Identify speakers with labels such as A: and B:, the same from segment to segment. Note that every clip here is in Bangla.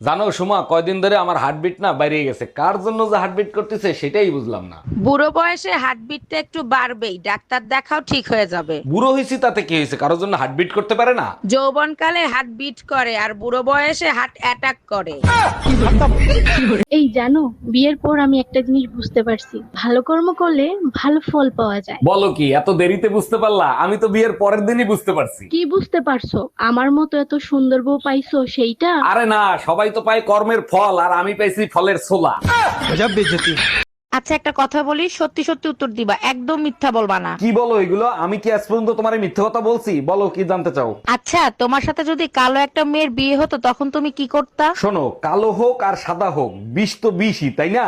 A: জানো সুমা, কয়দিন ধরে আমার হার্টবিট না বাইরে গেছে। কার জন্য যে হার্টবিট করতেছে সেটাই বুঝলাম না।
B: বুড়ো বয়সে হার্টবিটটা একটু বাড়বেই, ডাক্তার দেখাও, ঠিক হয়ে যাবে।
A: বুড়ো হয়েছি তাতে কি হয়েছে? কারোর জন্য হার্টবিট করতে পারে না?
B: যৌবনকালে হার্ট বিট করে আর বুড়ো বয়সে হার্ট অ্যাটাক করে।
C: এই জানো, বিয়ের পর আমি একটা জিনিস বুঝতে পারছি, ভালো কর্ম করলে ভালো ফল পাওয়া যায়।
A: বলো কি, এত দেরিতে বুঝতে পারলা? আমি তো বিয়ের পরের দিনই বুঝতে পারছি।
C: কি বুঝতে পারছো? আমার মতো এত সুন্দর বউ পাইছো সেইটা?
A: আরে না, সবাই তো পায় কর্মের ফল, আর আমি পাইছি ফলের ছোলা।
B: আচ্ছা একটা কথা বলি, সত্যি সত্যি উত্তর দিবা, একদম মিথ্যা বলবা না।
A: কি বলো এগুলো? আমি কি আজ পর্যন্ত তোমার মিথ্যে কথা বলছি? বলো কি জানতে চাও?
B: আচ্ছা তোমার সাথে যদি কালো একটা মেয়ের বিয়ে হতো তখন তুমি কি করতা?
A: শোনো, কালো হোক আর সাদা হোক, বিষ তো বিষই, তাই না?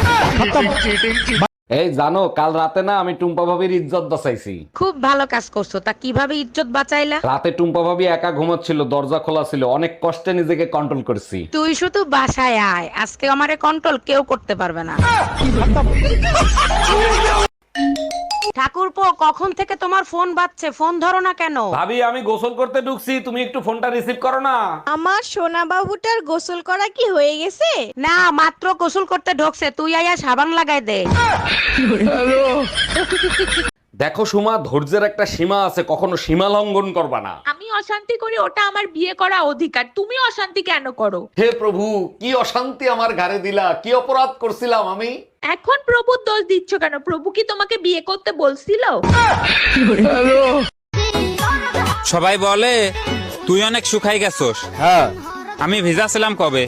A: এই জানো, কাল রাতে না আমি টুম্পা ভাবির ইজ্জত বাঁচাইছি।
B: খুব ভালো কাজ করছো, তা কিভাবে ইজ্জত বাঁচাইলা?
A: রাতে টুম্পা ভাবি একা ঘুমাচ্ছিল, দরজা খোলা ছিল, অনেক কষ্টে নিজেকে কন্ট্রোল করছি।
B: তুই শুধু বাসায় আয়, আজকে আমারে কন্ট্রোল কেউ করতে পারবে না। ঠাকুরপো, কখন থেকে তোমার ফোন বাজছে, ফোন ধরো না কেন?
A: ভাবি, আমি গোসল করতে ঢুকছি, তুমি একটু ফোনটা রিসিভ করো না।
D: আমার সোনা বাবুটার গোসল করা কি হয়ে গেছে?
B: না, মাত্র গোসল করতে ঢোকছে, তুই আয়া সাবান লাগাই দে।
A: দেখো সুমা, ধৈর্যের একটা সীমা আছে, কখনো সীমা লঙ্ঘন করবা না।
E: আমি অশান্তি করি, ওটা আমার বিয়ে করা অধিকার। তুমি অশান্তি কেন করো?
A: হে প্রভু, কি অশান্তি আমার ঘাড়ে দিলা! কি অপরাধ করছিলাম আমি?
E: এখন প্রভুর দোষ দিচ্ছ কেন? প্রভু কি তোমাকে বিয়ে করতে বলছিল?
F: সবাই বলে তুই অনেক শুকাই গেছস। হ্যাঁ, আমি ভিজা ছিলাম কবে।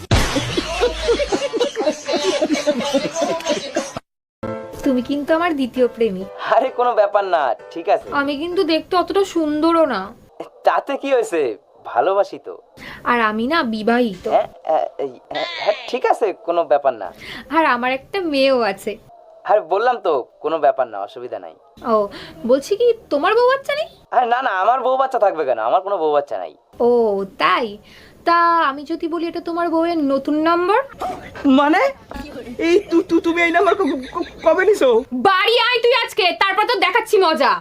G: তুমি কিন্তু আমার দ্বিতীয় প্রেমিক।
H: আরে কোনো ব্যাপার না, ঠিক আছে।
G: আমি কিন্তু দেখতে অতটা সুন্দরও না।
H: তাতে কি হয়েছে, ভালোবাসি তো।
G: আর আমি না বিবাহিত।
H: হ্যাঁ, ঠিক আছে, কোনো ব্যাপার না।
G: আর আমার একটা মেয়েও আছে।
H: আরে বললাম তো, কোনো ব্যাপার না, অসুবিধা নাই।
G: ও, বলছি কি তোমার বউ বাচ্চা নেই?
H: আরে না না, আমার বউ বাচ্চা থাকবে কেন? আমার কোনো বউ বাচ্চা নাই।
G: ও তাই? তা আমি যদি বলি এটা তোমার বউয়ের নতুন নাম্বার?
H: মানে এই তুমি এই নাম্বার কবে নিছো?
G: বাড়ি আয় তুই আজকে, তারপর তো দেখাচ্ছি মজা।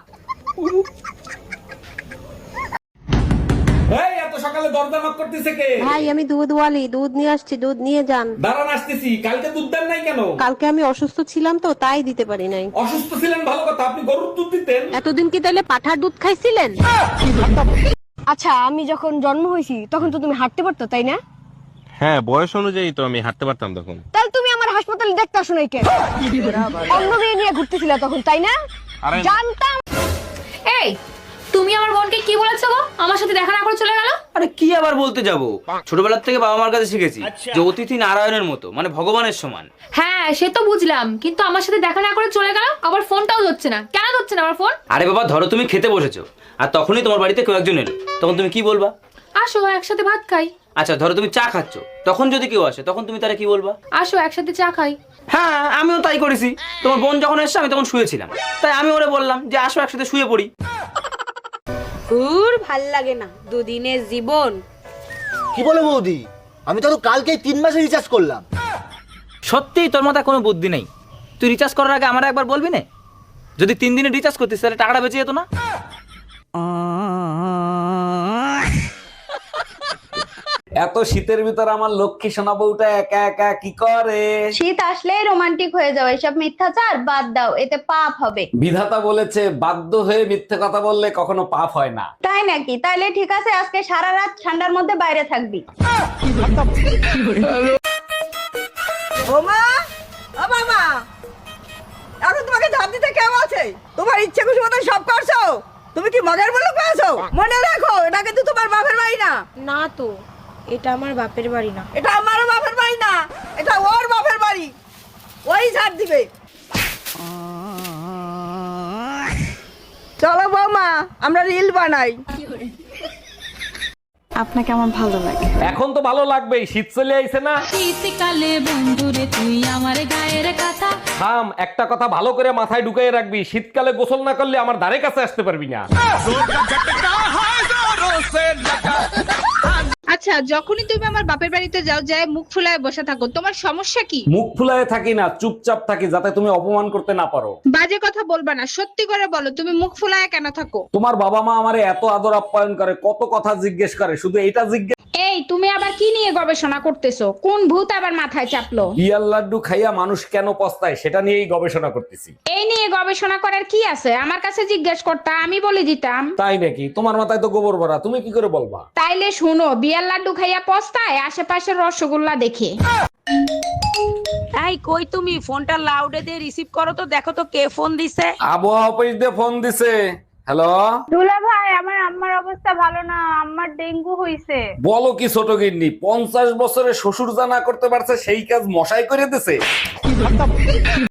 A: এই এত সকালে দরজা নক করতেছে কে?
I: ভাই আমি দুধ ওয়ালি, দুধ নিয়ে আসছি, দুধ নিয়ে যান।
A: দাঁড়ান, আসতেছি। কালকে দুধ দেন নাই কেন?
I: কালকে আমি অসুস্থ ছিলাম তো তাই দিতে পারি নাই।
A: অসুস্থ ছিলেন ভালো কথা, আপনি গরুর দুধ দিতেন।
I: এতদিন কি তাহলে পাঠার দুধ খাইছিলেন?
D: আচ্ছা আমি যখন জন্ম হয়েছি তখন তো তুমি হাঁটতে পারতো, তাই না?
J: হ্যাঁ, বয়স অনুযায়ী তো আমি হাঁটতে পারতাম তখন।
D: তাহলে তুমি আমার হাসপাতালে দেখতে আসো নাই কেন? অন্য মেয়ে নিয়ে ঘুরতেছিলে তখন, তাই না?
J: আরে
D: জানতাম।
G: এই তুমি আমার বোনকে কি বলেছো গো? আমার সাথে দেখা না করে চলে গেল।
H: আরে কি আবার বলতে যাব, ছোটবেলার থেকে বাবা মার কাছে শিখেছি যে অতিথি নারায়ণের মতো, মানে ভগবানের সমান।
G: হ্যাঁ সে তো বুঝলাম, কিন্তু আমার সাথে দেখা না করে চলে গেল, আবার ফোনটাও ধরছে না। কেন ধরছে না আমার ফোন?
H: আরে বাবা, ধরো তুমি খেতে বসেছো আর তখনই তোমার বাড়িতে কেউ একজন এলো, তখন তুমি কি বলবা?
G: আসো একসাথে ভাত খাই।
H: আচ্ছা ধরো তুমি চা খাচ্ছ, তখন যদি কেউ আসে তখন তুমি তারা কি বলবা?
G: আসো একসাথে চা খাই।
H: হ্যাঁ, আমিও তাই করেছি। তোমার বোন যখন এসছে আমি তখন শুয়েছিলাম, তাই আমি ওরে বললাম যে আসো একসাথে শুয়ে পড়ি।
D: ভাল লাগে না, দুদিনের জীবন।
K: কি বলে বৌদি, আমি তো কালকেই 3 মাসে রিচার্জ করলাম।
H: সত্যিই তোর মাথায় কোনো বুদ্ধি নেই। তুই রিচার্জ করার আগে আমার একবার বলবি না? যদি 3 দিনে রিচার্জ করতিস তাহলে টাকাটা বেঁচে যেত না?
A: এত শীতের ভিতর আমার লক্ষ্মী সোনা বউটা একা একা কি করে?
D: শীত আসলেই রোমান্টিক হয়ে যাও, এসব মিথ্যাচার বাদ দাও, এতে পাপ হবে।
A: বিধাতা বলেছে বাধ্য হয়ে মিথ্যে কথা বললে কখনো পাপ হয় না।
D: তাই নাকি? তাইলে ঠিক আছে, আজকে সারা রাত ঠান্ডার মধ্যে বাইরে থাকবি।
B: ওমা, ও বাবা, এখন তোমাকে ঝাড় দিতে কেউ আছে? তোমার ইচ্ছে খুশি মতো সব করছো। তুমি কি মগের মুলুক পেয়েছো? মনে রাখো, এটা কিন্তু তোমার বাপের বাড়ি না।
D: না তো, এটা আমার বাপের বাড়ি না।
B: এটা আমারও বাপের বাড়ি না, এটা ওর বাপের বাড়ি। ওই ঝাড় দিবে। চলো বৌমা, আমরা রিল বানাই।
D: আপনাকে আমার ভালো লাগে।
A: এখন তো ভালো লাগবেই, শীত চলে আইছে না?
E: শীতকালে বন্ধুরে তুই আমার গায়ের কথা।
A: থাম, একটা কথা ভালো করে মাথায় ঢুকাই রাখবি, শীতকালে গোসল না করলে আমার ধারে কাছে আসতে পারবি না।
E: আচ্ছা, যখনই তুমি আমার বাপের বাড়িতে যাও, যায় মুখ ফুলায় বসে থাকো, তোমার সমস্যা কি?
A: মুখ ফুলায় থাকি না, চুপচাপ থাকি, যাতে তুমি অপমান করতে না পারো।
E: বাজে কথা বলবা না, সত্যি করে বলো তুমি মুখ ফুলায় কেন থাকো?
A: তোমার বাবা মা আমারে এত আদর আপ্যায়ন করে, কত কথা জিজ্ঞেস করে, শুধু এটা জিজ্ঞেস
E: এই তুমি আবার কি নিয়ে গবেষণা করতেছো? কোন ভূত আবার মাথায় চাপলো?
A: বিয়ার লাড্ডু খাইয়া মানুষ কেন পস্তায় সেটা নিয়েই গবেষণা করতেছি।
E: এই নিয়ে গবেষণা করার কি আছে? আমার কাছে জিজ্ঞেস করতা, আমি বলে দিতাম।
A: তাই নাকি? তোমার মাথায় তো গোবর ভরা, তুমি কি করে বলবা?
E: তাইলে শুনো, বিয়ার লাড্ডু খাইয়া পস্তায় আশেপাশের রসগোল্লা দেখে।
B: এই কই তুমি? ফোনটা লাউডে দিয়ে রিসিভ করো তো, দেখো তো কে ফোন দিছে।
A: আবহাওয়া অফিস দিয়ে ফোন দিছে। হ্যালো
C: দুলা ভাই, আমার আম্মার অবস্থা ভালো না, আম্মার ডেঙ্গু হইছে।
A: বলো কি ছোট গিন্নি, 50 বছরে শ্বশুর যা না করতে পারছে সেই কাজ মশাই করে দিছে।